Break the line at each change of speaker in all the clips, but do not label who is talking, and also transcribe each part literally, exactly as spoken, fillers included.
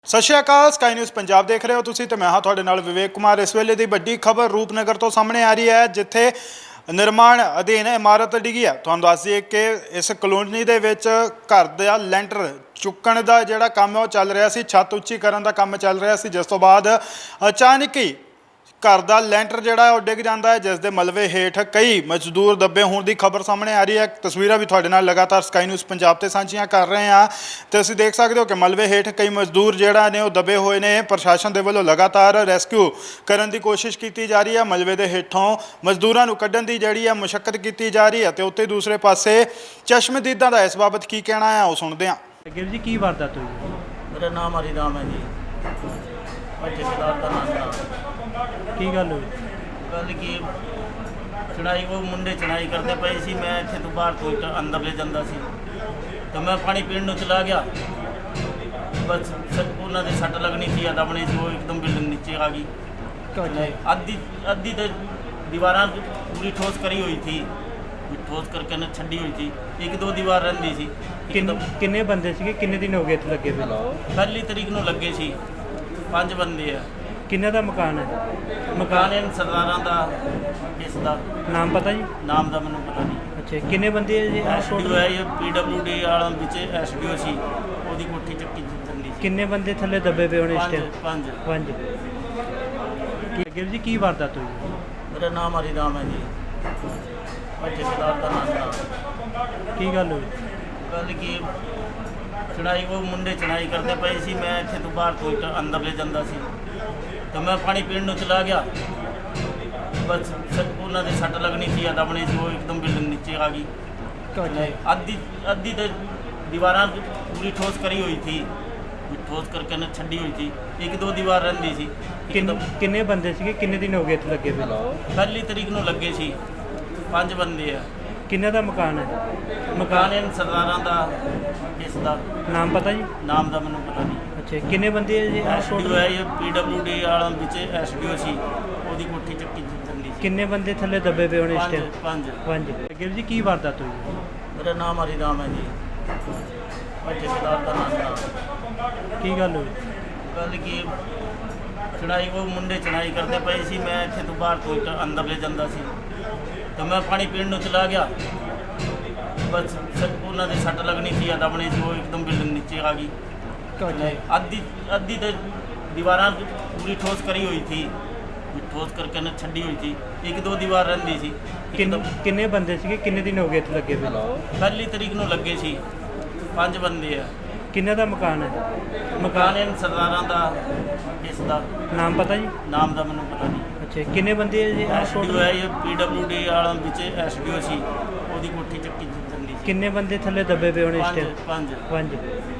ਸਤਿ ਸ਼੍ਰੀ ਅਕਾਲ ਸਕਾਈ ਨਿਊਜ਼ ਪੰਜਾਬ ਦੇਖ ਰਹੇ ਹੋ ਤੁਸੀਂ ਤੇ ਮੈਂ ਹਾਂ ਤੁਹਾਡੇ ਨਾਲ ਵਿਵੇਕ ਕੁਮਾਰ। ਇਸ ਵੇਲੇ ਦੀ ਵੱਡੀ ਖਬਰ ਰੂਪਨਗਰ ਤੋਂ ਸਾਹਮਣੇ ਆ ਰਹੀ ਹੈ, ਜਿੱਥੇ ਨਿਰਮਾਣ ਅਧੀਨ ਇਮਾਰਤ ਡਿੱਗੀ ਹੈ। ਤੁਹਾਨੂੰ ਦੱਸ ਦਈਏ ਕਿ ਇਸ ਕਲੋਨੀ ਦੇ ਵਿੱਚ ਘਰ ਦਾ ਲੈਂਟਰ ਚੁੱਕਣ ਦਾ ਜਿਹੜਾ ਕੰਮ ਹੈ ਉਹ ਚੱਲ ਰਿਹਾ ਸੀ, ਛੱਤ ਉੱਚੀ ਕਰਨ ਦਾ ਕੰਮ ਚੱਲ ਰਿਹਾ ਸੀ, ਜਿਸ ਤੋਂ ਬਾਅਦ ਅਚਾਨਕ ਹੀ घर का ਲੈਂਟਰ ਜਿਹੜਾ ਉਹ ਡਿੱਗ ਜਾਂਦਾ ਹੈ, ਜਿਸ ਦੇ ਮਲਬੇ ਹੇਠ ਕਈ ਮਜ਼ਦੂਰ ਦੱਬੇ ਹੋਣ ਦੀ ਖਬਰ ਸਾਹਮਣੇ ਆ ਰਹੀ ਹੈ। ਤਸਵੀਰਾਂ ਵੀ ਤੁਹਾਡੇ ਨਾਲ ਲਗਾਤਾਰ ਸਕਾਈ ਨਿਊਜ਼ ਪੰਜਾਬ ਤੇ ਸਾਂਝੀਆਂ ਕਰ ਰਹੇ ਹਾਂ ਤੇ ਤੁਸੀਂ ਦੇਖ ਸਕਦੇ ਹੋ ਕਿ ਮਲਬੇ ਹੇਠ ਕਈ ਮਜ਼ਦੂਰ ਜਿਹੜਾ ਨੇ ਉਹ ਦੱਬੇ ਹੋਏ ਨੇ। ਪ੍ਰਸ਼ਾਸਨ ਦੇ ਵੱਲੋਂ ਲਗਾਤਾਰ ਰੈਸਕਿਊ ਕਰਨ ਦੀ ਕੋਸ਼ਿਸ਼ ਕੀਤੀ ਜਾ ਰਹੀ ਹੈ। ਮਲਬੇ ਦੇ ਹੇਠੋਂ ਮਜ਼ਦੂਰਾਂ ਨੂੰ ਕੱਢਣ ਦੀ ਜਿਹੜੀ ਹੈ ਮੁਸ਼ੱਕਤ ਕੀਤੀ ਜਾ ਰਹੀ ਹੈ ਤੇ ਉੱਤੇ ਦੂਸਰੇ ਪਾਸੇ ਚਸ਼ਮਦੀਦਾਂ ਦਾ ਇਸ ਬਾਬਤ ਕੀ ਕਹਿਣਾ ਹੈ ਉਹ ਸੁਣਦੇ ਹਾਂ।
ਗਿਰ ਜੀ ਕੀ ਵਾਰਦਾਤ ਹੋਈ?
मेरा नाम हरिराम है जी। मैं ठेकेदार का नाम था।
ਕੀ ਗੱਲ ਹੋਈ?
गल की चढ़ाई वो मुंडे चढ़ाई करते पे सी, मैं इत्थे तो बाहर कोई अंदर ले जाता सी तो मैं पानी पीण नूं चला गया। बस उन्होंने दे सट लगनी सी या दबनी सी, वो एकदम बिल्डिंग नीचे आ गई। अद्धी अद्धी तो दीवार पूरी ठोस करी हुई थी, ठोस करके न छड़ी हुई थी, एक दो दीवार रही सी।
किन्ने बंदे सीगे? किन्ने दिन हो गए इत्थे लगे हुए?
पहली तरीक नूं लगे सी, पांच बंदे है।
किन्ने दा मकान है?
मकान इन सरदारां दा, इस दा
नाम पता जी?
नाम दा मैनूं पता नहीं।
अच्छा, किन्ने बंदे है जी?
एस डी ओ है ये पी डब्ल्यू डी वाला विच एस डी ओ सी, ओदी कोठी चक्की चलदी सी।
किन्ने बंदे थल्ले दबे पे होने इस टाइम?
पंज
पंज। गिर जी की वारदात हुई?
मेरा नाम हरिराम है जी। मैं ठेकेदार का नाम था।
की गल हुई?
गल की चढ़ाई वो मुंडे चढ़ाई करते पे सी, मैं इत्थे तो बाहर कोई अंदर ले जाता सी तो मैं पानी पीण नूं चला गया। बस उन्होंने दे सट लगनी सी या दबनी सी, वो एकदम बिल्डिंग नीचे आ गई। अद्धी अद्धी तो दीवार पूरी ठोस करी हुई थी, ठोस करके न छड़ी हुई थी, एक दो दीवार रही सी।
किन्ने बंदे सीगे? किन्ने दिन हो गए इत्थे लगे हुए?
पहली तरीक नूं लगे सी, पांच बंदे है।
किन्ने दा मकान है?
मकान इन सरदारां दा, इस दा
नाम पता जी?
नाम दा मैनूं पता नहीं।
अच्छा, किन्ने बंदे है जी?
एस डी ओ है ये पी डब्ल्यू डी वाला विच एस डी ओ सी, ओदी कोठी चक्की चलदी सी।
किन्ने बंदे थल्ले दबे पे होने इस टाइम?
पंज
पंज। गिर जी की वारदात हुई?
मेरा नाम हरिराम है जी। मैं ठेकेदार का नाम था।
की गल हुई?
गल की चढ़ाई वो मुंडे चढ़ाई करते पे सी, मैं इत्थे तो बाहर कोई अंदर ले जाता सी तो मैं पानी पीण नूं चला गया। बस उन्होंने दे सट लगनी सी या दबनी सी, वो एकदम बिल्डिंग नीचे आ गई। अद्धी अद्धी तो दीवार पूरी ठोस करी हुई थी, ठोस करके न छड़ी हुई थी, एक दो दीवार रही सी।
किन्ने बंदे सीगे? किन्ने दिन हो गए इत्थे लगे हुए?
पहली तरीक नूं लगे सी, पांच बंदे है।
किन्ने दा मकान है?
मकान इन सरदारां दा, इस दा
नाम पता जी?
नाम दा मैनूं पता नहीं।
अच्छा, किन्ने बंदे है जी?
एस डी ओ है ये पी डब्ल्यू डी वाला विच एस डी ओ सी, ओदी कोठी चक्की चलदी सी।
किन्ने बंदे थल्ले दबे पे होने इस टाइम?
पंज
पंज।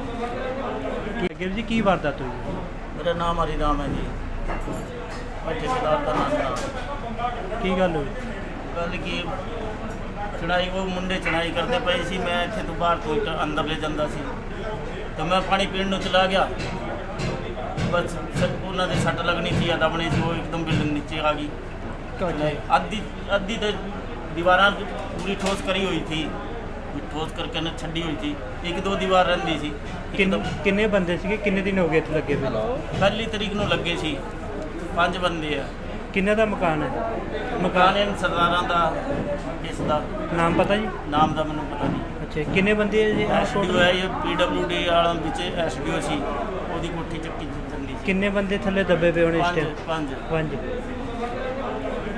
गिर जी की वारदात हुई?
मेरा नाम हरिराम है जी। मैं ठेकेदार का नाम था।
की गल हुई?
गल की चढ़ाई वो मुंडे चढ़ाई करते पे सी, मैं इत्थे तो बाहर कोई अंदर ले जाता सी तो मैं पानी पीण नूं चला गया। बस उन्होंने दे सट लगनी सी या दबनी सी, वो एकदम बिल्डिंग नीचे आ गई। अद्धी अद्धी तो दीवार पूरी ठोस करी हुई थी, ठोस करके न छड़ी हुई थी, एक दो दीवार रही सी।
किन्ने बंदे सीगे? किन्ने दिन हो गए इत्थे लगे हुए?
पहली तरीक नूं लगे सी, पांच बंदे है।
किन्ने दा मकान है?
मकान इन सरदारां दा, इस दा
नाम पता जी?
नाम दा मैनूं पता नहीं।
अच्छा, किन्ने बंदे है जी?
एस डी ओ है ये पी डब्ल्यू डी वाला विच एस डी ओ सी, ओदी कोठी चक्की चलदी सी।
किन्ने बंदे थल्ले दबे पे होने इस टाइम?
पंज
पंज।